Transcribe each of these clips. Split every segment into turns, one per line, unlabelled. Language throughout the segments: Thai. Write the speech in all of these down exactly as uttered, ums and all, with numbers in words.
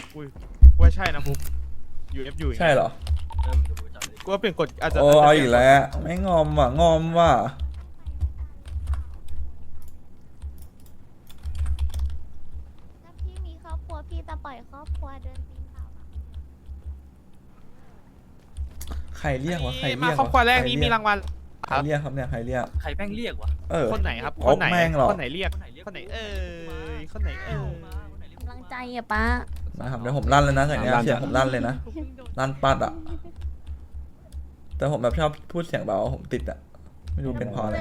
อุ้ยว่าใช่นะบุ๊กยูเอฟยู
ใช่เหรอ
กูว่าเปลี่ยนกฎอาจจะ
โอ้เอาอีกแล้วไม่งอมว่ะงอมว่ะ
ถ้าพี่มีครอบครัวพี่จะปล่อยครอบครัวเดินปีนเขาเหรอ
ใครเรียกวะใคร
มา
เรียก
ครอบครัวแรก
ใ
นี้มีรางวัล
ใครเรียกครับเนี่ยใครเรียก
ใครแม่งเรียกวะ
เออ
คนไหนครับ
โอ๊
ค
ก
นไหน
แม่งเหรอ
คนไหนเรียกคนไหนเอ่ยคนไหนเอ่ย
กำลังใจอะป้า
นะครับเดี๋ยวผมลั่นเลยนะแต่เนี้ยเสียงผมลั่นเลยนะลั่นปัดอ่ะแต่ผมแบบชอบพูดเสียงเบาผมติดอ่ะไม่รู้เป็นเพราะอะไร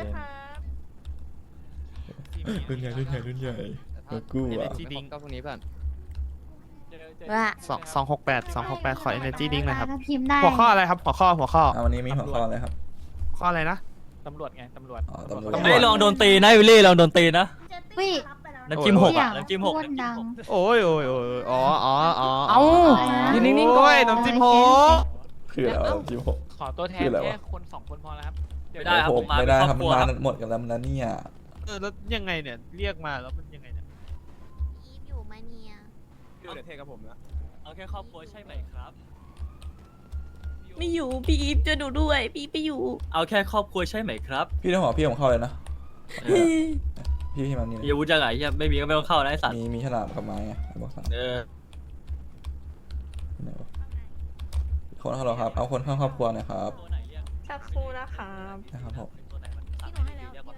รุ่นใหญ่รุ่นใหญ่รุ่นใหญ่เออกูอ่ะ
จีดิ้ง
ก็พวกนี้เพื่อน
ว่า
สองสองหกแปดสองหกแปดขอ energy drink หน่อยครับ
ถ้าพิมพ์ได้
หัวข้ออะไรครับหัวข้อหัวข้อ
อ่ะวันนี้มีหัวข้ออะไรครับ
ข้ออะไรนะ
ตำรวจไงตำรวจ
อ๋อตำรวจ
ตำร
เฮ้
วย จ
ลองโดนตีนะวิลลี่ลองโดนตีนะ
วิ
น้ำจิ้มหก
เสีย
อ่ะ
ง
น้ำจิ้มหก
โคตรดัง
โอ้ยโอ้ยโอ้ยอ๋ออ๋ออ๋อ
เอ้า
ยืนนิ่งๆก่อนน้ำจิ้มโฮ
คืออะไรวะจิ้มหก
ขอตัวแทน
คืออะไรวะ
แค่คนสองคนพอแล้วครับ
ไม่ได้ครับผมมา
ไม่
เป็น
ได้
คร
ค
อ
รั
บบ ค
มัน
รัว
มา
ครับ
หมดกันแล้วนะเนี่ย
เออแล้วยังไงเนี่ยเรียกมาแล้วมันยังไงเนี่ย
อีฟอยู่มาเนี่ย
เอาแค่ครอบครัวใช่ไหมครับ
ไม่อยู่พี่อีฟจะดูด้วยพี่ไปอยู่
เอาแค่ครอบครัวใช่ไหมครับ
พี่ต้องบอกพี่ผมเข้าเลยนะ
เออ
พี่ที่มันนี่
มีอาวุธจังไงเหี้ยไม่มีก็ไม่ต้องเข้านะไอ้สัตว์
มีมีฉลามกับไม้ไงบอกสาม
เออ
ไหนวะคนเข้าหรอครับเอาคนเข้าครอบครัวหน่อยครับ
ตัวไหนเรียก
สักครู่นะคะ
นะครับผม
ตัวไหนมัน
พี่หนูให้แล้ว
เรียกว่า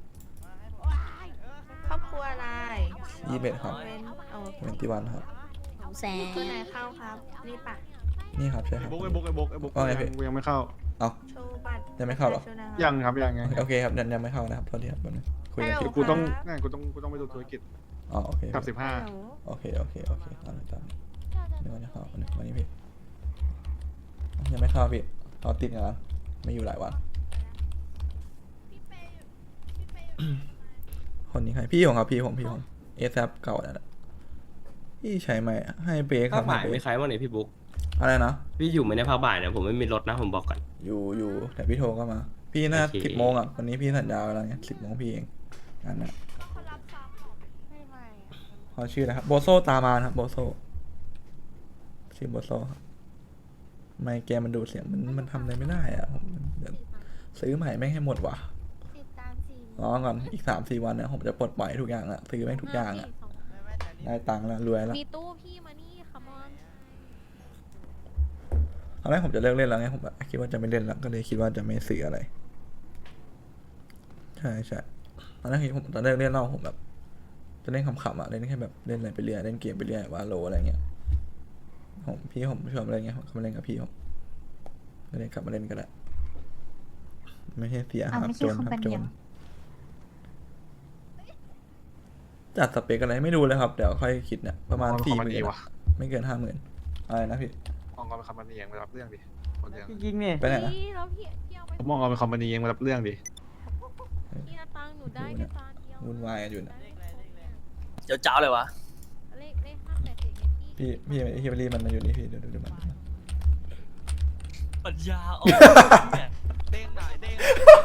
ครอบครัวอะไร
ยี่สิบเอ็ดครับ
เป็นโอเค
เป็นที่วันครับ
หนูแสง
ตัวไหนเข้าครับนี่ปะ
นี่ครับใช่ครับ
บุ๊กไอ้บุ๊กไอ้บุ๊กไอ้บุ๊ก
ว่าไงพี่
กูยังไม่เข้า
เอา
โชว์บัตร
ยังไม่เข้าเหรอ
โชว์นะครับ
ยังครับยังไง
โอเคครับยังยังไม่เข้านะครับโทษทีครับแป๊บนึงคุยกัน
ฮัลโหล
คิว
กูต้อง
ครับ
นั่นกูต้องกูต้องไปดูธุรกิจ
อ๋อโอเค
กับสิบห้า
ฮัลโหล
โอเคโอเคโอเคตามนี้ตามนี้เดี๋ยววันนี้เข้าวันนี้วันนี้พี่ยังไม่เข้าพี่เขาติดงานไม่อยู่หลายวันคนนี้ใครพี่ผมครับพี่ผมพี่ผมเอซเก่าแล้วนะพี่ใช้ไหมให้เบรกค
ภา
รั
ค
บ
บ่าย
ให้เบร
ไม่
ก
ใครบ้างเนี่ยพี่บุ๊ก
อะไรนะ
พี่อยู่ไหมในภาคบ่ายเนี่ยผมไม่มีรถนะผมบอกก่อน
อยู่อยู่แต่พี่โทรก็มา พี่น่า
โอเค
สิบโมงอ่ะวันนี้พี่สัญญาไว้แล้วไงสิบโมงพี่เองงานน่ะ
ไม่ไม่
เขาชื่ออะไรครับโบโซตามมาครับโบโซชื่อโบโซครับไมค์แกมันดูดเสียงมันมันทำอะไรไม่ได้อ่ะผมเดี๋ยวซื้อใหม่ไม่งให้หมดว่ะ
สิบตามสี่
รอก่อนอีกสามสี่วันเนี่ยผมจะปลดปล่อยทุกอย่างอ่ะซื้อแม่งทุกอย่างอ่ะได้ตังค์แล้วรวยแล้ว
มีตู้พี่มานี่คัมอน
ตอนแรกผมจะเลิกเล่นแล้วไงผมแบบคิดว่าจะไม่เล่นแล้วก็เลยคิดว่าจะไม่ซื้ออะไรใช่ใช่ตอนแรกคิดผมตอนแรกเล่นเล่าผมแบบ จะเล่นขำๆอ่ะเล่นแค่แบบเล่นอะไรไปเรื่อยเล่นเกมไปเรื่อยวาโลอะไรเงี้ยผมพี่ผมชวนมาเล่นไงผมก็มาเล่นกับพี่ผมก็เลยกลับมาเล่นกันแหละไม่ใช่เสียครับโจนครับโจนจัดสเปคอะไรไม่รู้เลยครับเดี๋ยวค่อยคิดเนี่ยประมาณ
อ๋อ
สี่
คอม
ห
มานี
มื่น
ว่ะ
ไม่เกินห้าหมื่นอะไรนะพี่
มองเอาเป็นคอมพานีเองมารับเรื่องดิคนเดียว
ยิงเนี่ย
ไปไหนนะ
พี่แล้วพี่พี่เอาไป
ผมมองเอาเป็นคอมพานีเองมารับเรื่องดิ
พี่นาตังหนูได้แค่ตาเดียว
วุ่นวายกันอยู่นะ
เจ้าเจ้าเลยวะ
เลขเลขห้าแปดเจ็ดไงพี่
พี่พี่พี่บรีมันมาอยู่นี่พี่เดี๋ยวดูดูมัน
ปัญญาอ่อนเนี่ย
เด้งหน่อยเด้ง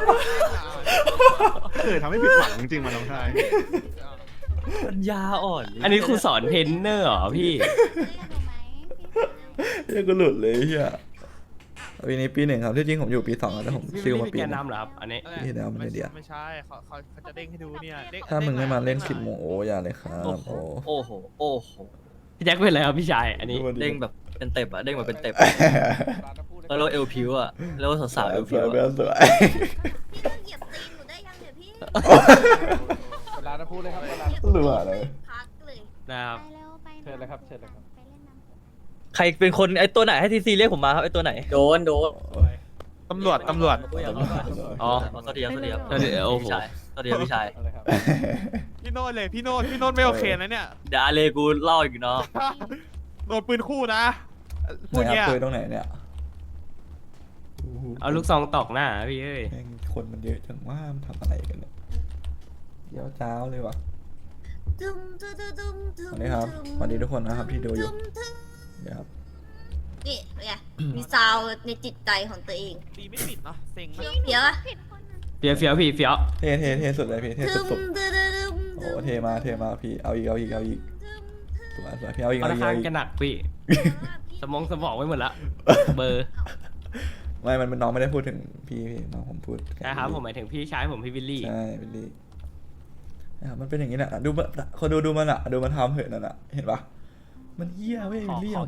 เคยทำให้ผิดหวังจริงๆมาน้องชาย
ปัญญาอ่อน
อันนี้ครูสอนเทรนเนอร์เหรอพี่
เรียกหนูไหมพี่
เฮียก็หลุดเลยเฮียปีนี้ปีหนึ่งครับที่จริงผมอยู่ปีสองแล้วแต่ผม
พี่
ซิลมา
เป็น
ปี
แก
ห
น
นึง
นำเหรอครับอันนี้
พี่เดี๋ยวเอามาเดี๋ยว
ไม่ใช่เขาเขาเขาจะเด้งให้ดูเนี่ยเด้ง
ถ้ามึงไม่มาเล่น
ด้
สิบ
ห
โม
อย
งโอ้อย่าเลยครับ
โอ้โห
โอ้
โอ้โหโอ้โห
พี่แจ็คเป็นอะไรครับพี่ชายอันนี้
เด้งแบบเป็นเต็บอะเด้งแบบเป็นเต็บแล้วเราเอลพิวอะแล้วสาวๆเอล
ส
พิ
ว
วย
เบล
อะ
สวย
พี่ต้องเหยียบตีนหนูได้ยังเนี่ยพี่
เวลาจะพูดเลยครับเวลา
หรือว่าอะไร
พักเลย
นะครับ
ไปเร็วไป
เชิญเลยครับเชิญเลยครับ
ไปเล่นน้ำ
ใครเป็นคนไอตัวไหนให้ทีซีเรียกผมมาครับไอตัวไหนโดนโดน
ตำรวจตำรวจ
อ๋อสวัสดีครับสวัสดีครับ
เดี๋ยวโอ้โห
พี่ชายสวัสดีครับพี่ชาย
เอาเลยครับ
พี่โน้ตเลยพี่โน้ตพี่โน้ตไม่โอเคนะเนี่ย
เดี๋ยวอาเลกูเล่าอีกเนาะ
โดนปืนคู่นะพูด
ไหน
เนี้ย
คุยตรงไหนเนี่ย
เอาลูกซองตอกหน้าพี่เอ้ย
แม่งคนมันเยอะจังว่ามันทำอะไรกันเนี่ยเดี๋ยวเจ้าเลยวะ
ตุ้มตุ้มตุ้มตุ้ม
สวัสดีครับสวัสดีทุกคนนะครับที่ดูอยู่เดี๋ยวครับ
นี่ไงมีซาวในจิตใจของตัวเอง
ตีไม่ติดเนาะเซ็งมาก
เดี๋ยวอะ
เฟี้ยวเฟี้ยวพี่เฟี้ยว
เท่เท่เท่สุดเลยพี่เท่
ตุ้ม
สุด
ตุ้มตุ้ม
ๆโอ้เท่มากเท่มากพี่เอาอีกเอาอีกเอาอีก
ตุ้มตุ้
สวยสวยพี่เอาอีก
ค่อ
เอา
น
อีก
ข้าง
เอาอีก
จะหนักพี่ สมองสมองไว้หมดละเบอร์
ไม่มันมันน้องไม่ได้พูดถึงพี่พี่น้องผมพูด
นะครับผมหมายถึงพี่ชายผมพี่วิลลี่
ใช่วิลลี่นะครับมันเป็นอย่างนี้แหละดูมันคนดูดูมันอะดูมันทำเหอะนั่นอะเห็นปะมันเหี้ยเว้ย
ข
วิ
อ
ลลี่
ขอ
อะ